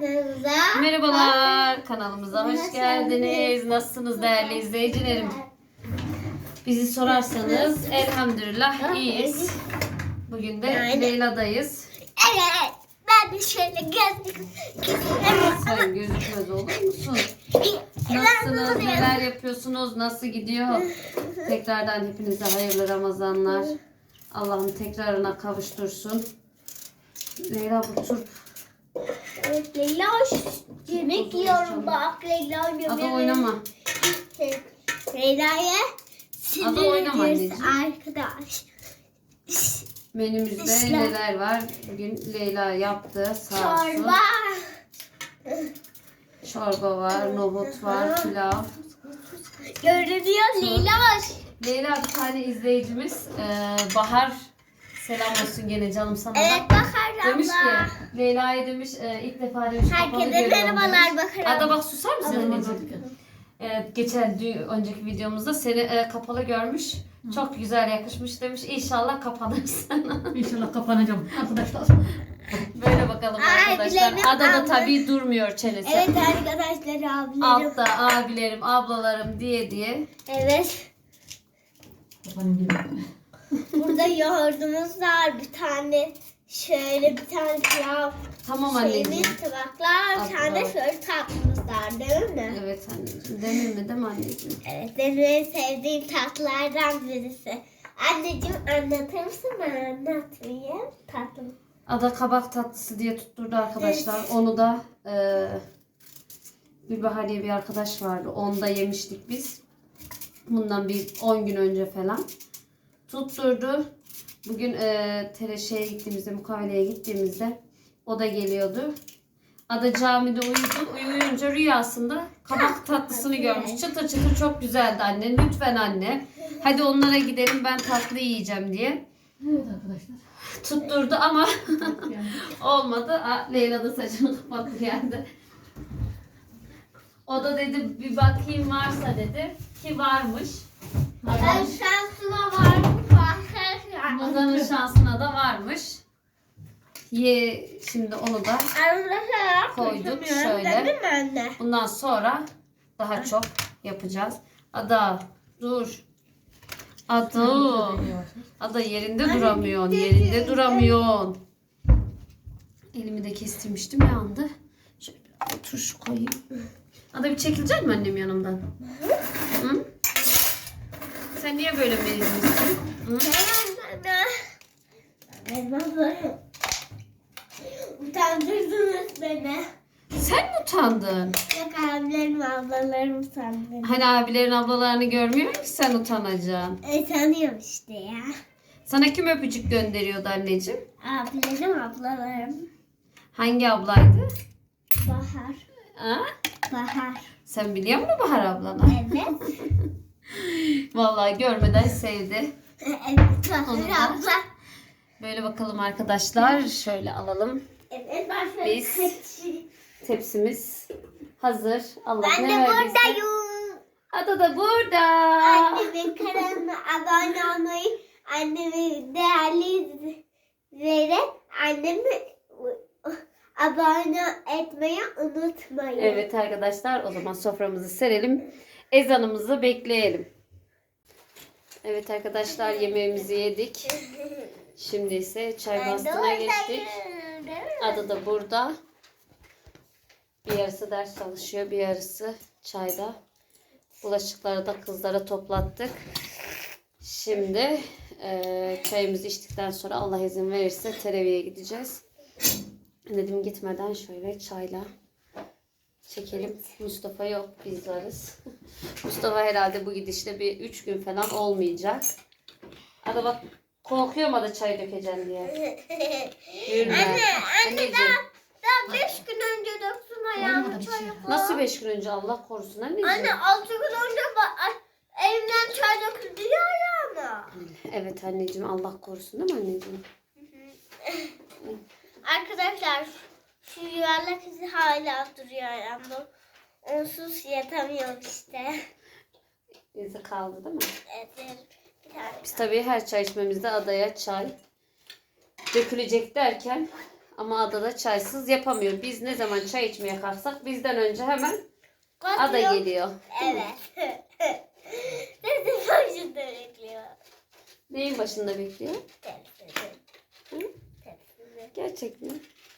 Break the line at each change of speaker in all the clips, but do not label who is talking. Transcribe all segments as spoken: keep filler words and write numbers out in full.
kanalımıza.
Merhabalar, kanalımıza hoş geldiniz. Nasılsınız değerli izleyicilerim? Bizi sorarsanız elhamdülillah iyiyiz. Bugün de Leyla'dayız.
Evet, ben de şöyle gözlük
Sen gözükmez olur musun? Nasılsınız, neler yapıyorsunuz, nasıl gidiyor? Tekrardan hepinize hayırlı Ramazanlar. Allah'ım tekrarına kavuştursun. Leyla bu turp.
Evet, Leyla yemek yiyorum bak. Leyla yemek.
Ada oynama.
Leyla'ya
Ada oynama
sinirleriz
anneciğim.
arkadaş.
Menümüzde
İşte.
neler var? Bugün Leyla yaptı sağ olsun.
Çorba.
Çorba var, nohut var, pilav.
Görünüyor Leyla var.
Leyla bir tane izleyicimiz e, Bahar selam olsun gene canım sana da.
Evet Bahar
Demiş ki
abla.
Leyla'ya demiş e, ilk defa demiş kapalı
Herkese
görüyorum
merhabalar
demiş.
Bahar
Ada
abla.
bak susar mısın anneciğim? Evet, geçen dü- önceki videomuzda seni e, kapalı görmüş. Çok güzel yakışmış demiş. İnşallah kapanırsın.
İnşallah kapanacağım arkadaşlar.
Böyle bakalım
Ay,
arkadaşlar.
bileğim
Ada da
abla.
tabii durmuyor çenesi.
Evet arkadaşlar abilerim.
Altta abilerim, ablalarım diye diye.
Evet.
Kapanın gibi.
Burada yoğurdumuz var bir tane. Şöyle bir tane pilav.
Tamam anneciğim.
Şeyimiz, tabaklar. Bir tane
Abla.
şöyle tatlımız var değil mi?
Evet anneciğim. Demir mi değil mi anneciğim?
Evet benim en sevdiğim tatlılardan birisi. Anneciğim anlatır mısın? Ben anlatmayayım. Tatlım.
Ada kabak tatlısı diye tutturdu arkadaşlar. Onu da e, Gülbahar diye bir arkadaş vardı. Onu da yemiştik biz. Bundan bir on gün önce falan. Tutturdu. Bugün e, Tereşe'ye gittiğimizde, mukaveleye gittiğimizde o da geliyordu. Ada camide uyudu. Uyuyunca rüyasında kabak tatlısını görmüş. Çıtır çıtır çok güzeldi anne. Lütfen anne. Hadi onlara gidelim ben tatlı yiyeceğim diye.
Evet arkadaşlar.
Tutturdu ama
Yani
olmadı. Aa, Leyla da saçını kapattı geldi. O da dedi bir bakayım varsa dedi. Ki varmış.
Ben şansıma var mı?
Adanın şansına da varmış. Ye, şimdi onu da
Arkadaşlar
Koyduk
konuşamıyorum,
şöyle.
değil mi anne?
bundan sonra daha çok yapacağız. Ada dur. Ada. Ada yerinde duramıyorsun. Yerinde duramıyorsun. Elimi de kestirmiştim yandı. Şöyle bir turşu koyayım. Ada bir çekilecek mi annem yanımdan? Hı? Sen niye böyle mezunsun? Hı?
Utandırdınız beni.
Sen mi utandın?
Yok abilerim ablalarım utandırdı.
Hani abilerin ablalarını görmüyor ki sen utanacaksın.
E tanıyorum işte ya.
Sana kim öpücük gönderiyordu anneciğim?
Abilerim ablalarım.
Hangi ablaydı?
Bahar.
Ha?
Bahar.
Sen biliyor musun Bahar ablana?
Evet.
Vallahi görmeden sevdi.
Evet
Onu da-
Bahar abla.
Böyle bakalım arkadaşlar. Şöyle alalım.
Evet Bahar.
Biz- Tepsimiz hazır. Allah
Ben
ne
de
verdiyse.
buradayım.
Ada da burada.
Annemin kanalına abone olmayı, annemi değerli izleyerek annemi abone etmeyi unutmayın.
Evet arkadaşlar o zaman soframızı serelim. Ezanımızı bekleyelim. Evet arkadaşlar yemeğimizi yedik. Şimdi ise çay
Ben de
bastığına geçtik.
buradayım, değil mi?
Adı da burada. Bir yarısı ders çalışıyor, bir yarısı çayda. Bulaşıkları da kızlara toplattık. Şimdi e, çayımızı içtikten sonra Allah izin verirse teraviye gideceğiz. Dedim gitmeden şöyle çayla çekelim. Mustafa yok, biz varız. Mustafa herhalde bu gidişle bir üç gün falan olmayacak. Ada bak korkuyorum ada çay dökeceğim diye. Yürüme.
Anne, anne
Anneciğim.
daha, daha beş gün önce döktüm ayağımı
Olmadı bir şey.
çayı.
Nasıl beş gün önce Allah korusun anneciğim?
Anne altı gün önce ba- ay, elimden çay döküldü ya ayağıma.
Evet anneciğim Allah korusun değil mi anneciğim?
Arkadaşlar şu yuvarlak izi hala duruyor ayağımda. Onsuz yatamıyorum işte.
İzi kaldı değil mi?
Evet, bir tane.
Biz tabii her çay içmemizde adaya çay dökülecek derken Ama adada çaysız yapamıyor. Biz ne zaman çay içmeye kalksak bizden önce hemen ada
Kokuyor.
geliyor.
Evet. Bizim başında bekliyor.
Neyin başında bekliyor?
Tepside.
Hı?
Tepside.
Gerçek mi?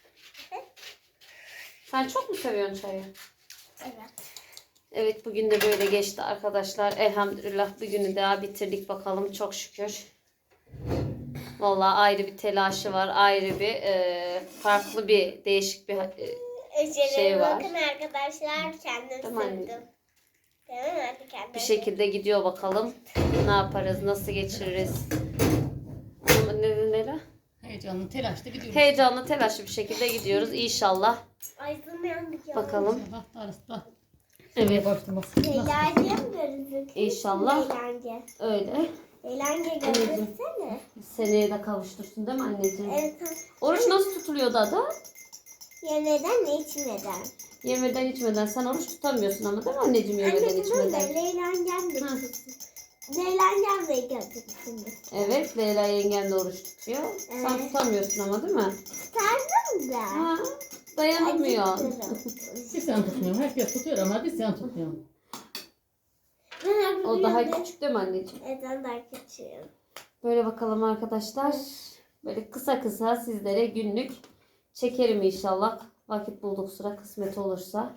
Sen çok mu seviyorsun çayı?
Evet.
Evet, bugün de böyle geçti arkadaşlar. Elhamdülillah bir günü daha bitirdik bakalım, çok şükür. Vallahi ayrı bir telaşı var. Ayrı bir e, farklı bir değişik bir e,
Özellikle
şey var.
bakın arkadaşlar, kendim
Tamam
sürdüm.
anneciğim.
Değil mi? Hadi kendim.
bir şekilde gidiyor bakalım. Ne yaparız, nasıl geçiririz? Ama ne neler?
Heyecanlı, telaşlı gidiyoruz.
Heyecanlı, telaşlı bir şekilde gidiyoruz inşallah.
Ay yandık ya.
Bakalım.
Allah arasında.
Evet.
Başlaması.
Eğlence mi gözüküyor?
İnşallah.
Eğlence.
Öyle.
Eğlence gözüksene.
Seneye de kavuştursun değil mi anneciğim?
Evet.
Oruç nasıl tutuluyordu ada?
Yemeden içmeden.
Yemeden içmeden. Sen oruç tutamıyorsun ama değil mi anneciğim, yemeden
Anne tamam da
içmeden?
Leyla'nın de
Ha.
tutsun. Leyla'nın de gözüksün.
Evet, Leyla yengen de oruç tutuyor. Sen
Evet.
tutamıyorsun ama değil mi?
Tutardım da.
Ha, dayanamıyor.
Acıktırım.
Bir sen tutmuyorum. Herkes tutuyor ama bir sen tutmuyorum.
Ben
O daha
yapıyorum.
küçük değil mi anneciğim?
Evet, ben daha küçüğüm.
Böyle bakalım arkadaşlar. Böyle kısa kısa sizlere günlük çekerim inşallah. Vakit bulduk, sıra kısmet olursa.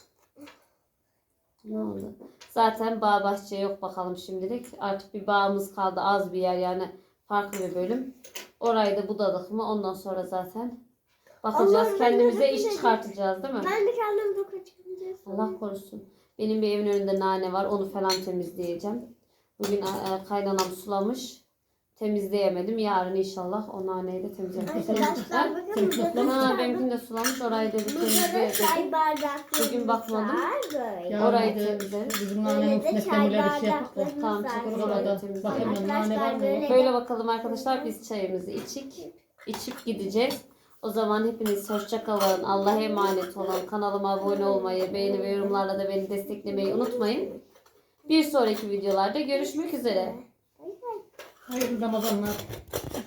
Ne oldu? Zaten bağ bahçe yok bakalım şimdilik. Artık bir bağımız kaldı, az bir yer, yani farklı bir bölüm. Orayı da budadık mı ondan sonra zaten bakacağız.
Allah'ım, ben
Kendimize
de
iş
bakacağım.
çıkartacağız değil mi?
Ben de kendim bakacağım.
Allah korusun. Benim bir evin önünde nane var. Onu falan temizleyeceğim. Bugün e, kaynanam sulamış. Temizleyemedim. Yarın inşallah o naneyi de temizleyeceğim.
Arkadaşlar bakın
Sen
burada
toplama.
Ha,
çay-
benimkini de sulamış. Orayı da bir
burada da
temizleyelim.
çay bardaklarımız
Bugün bakmadım.
var böyle.
Ya
Orayı
bir de
temizleriz.
Bizim
Böyle
nanenin
de
üstüne
çay
kemirleri şey yapıp da.
bardaklarımız
Tamam,
var.
çok
Orada
Orayı
da
temizleyelim.
bakayım ben nane var mı?
Arkadaşlar,
yok.
Böyle bakalım arkadaşlar, biz çayımızı içik. içip gideceğiz. O zaman hepiniz hoşça kalın. Allah'a emanet olun. Kanalıma abone olmayı, beğeni ve yorumlarla da beni desteklemeyi unutmayın. Bir sonraki videolarda görüşmek üzere.
Hayırlı Ramazanlar.